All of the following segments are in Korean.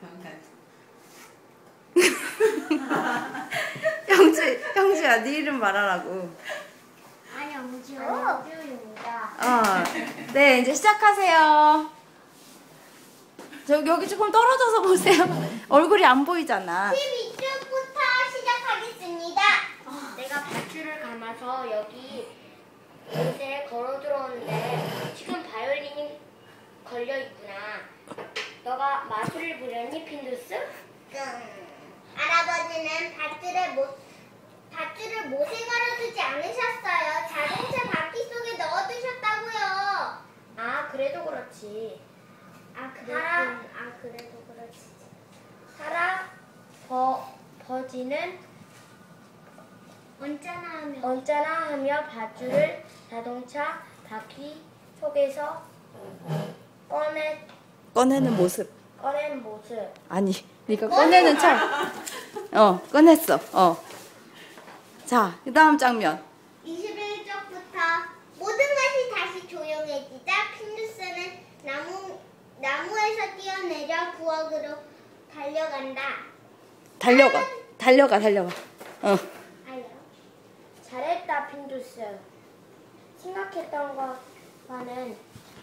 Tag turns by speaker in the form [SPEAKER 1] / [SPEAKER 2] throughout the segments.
[SPEAKER 1] 형주야, 네 이름 말하라고.
[SPEAKER 2] 안녕주입니다.
[SPEAKER 1] 네, 이제 시작하세요. 여기 조금 떨어져서 보세요. 얼굴이 안 보이잖아.
[SPEAKER 2] 12주부터 시작하겠습니다. 내가 밧줄을 감아서 여기 곳에 걸어 들어오는데 지금 바이올린이 걸려 있구나. 너가 마술을 부렸니, 핀두스? 할아버지는 밧줄을 못에 걸어두지 않으셨어요. 자동차 바퀴 속에 넣어두셨다고요. 아, 그래도 그렇지. 그래도 그렇지. 할아버지는 언짢아 하며 밧줄을 자동차 바퀴 속에서
[SPEAKER 1] 꺼내는 모습.
[SPEAKER 2] 꺼낸 모습.
[SPEAKER 1] 아니, 네가 꺼내는 척. 꺼냈어. 자, 그 다음 장면.
[SPEAKER 2] 21쪽부터 모든 것이 다시 조용해지자 핀두스는 나무에서 뛰어내려 부엌으로 달려간다.
[SPEAKER 1] 달려가.
[SPEAKER 2] 잘했다, 핀두스. 생각했던 것과는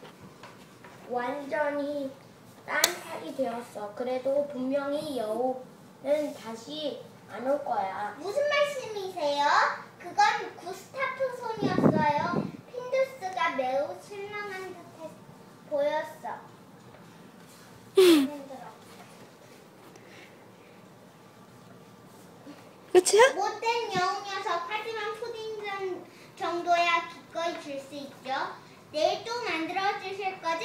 [SPEAKER 2] 완전히 딴 살이 되었어. 그래도 분명히 여우는 다시 안 올 거야. 무슨 말씀이세요? 그건 구스타프 손이었어요. 핀두스가 매우 실망한 듯 보였어.
[SPEAKER 1] 끝이야?
[SPEAKER 2] 못된 여우 녀석. 하지만 푸딩 정도야 기꺼이 줄 수 있죠. 내일 또 만들어 주실 거죠?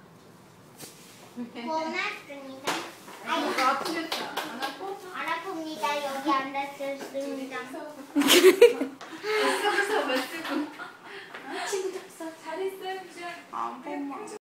[SPEAKER 2] 고맙습니다.
[SPEAKER 3] 아프겠다. 안 아파?
[SPEAKER 2] 안 아픕니다. 여기 앉았습니다.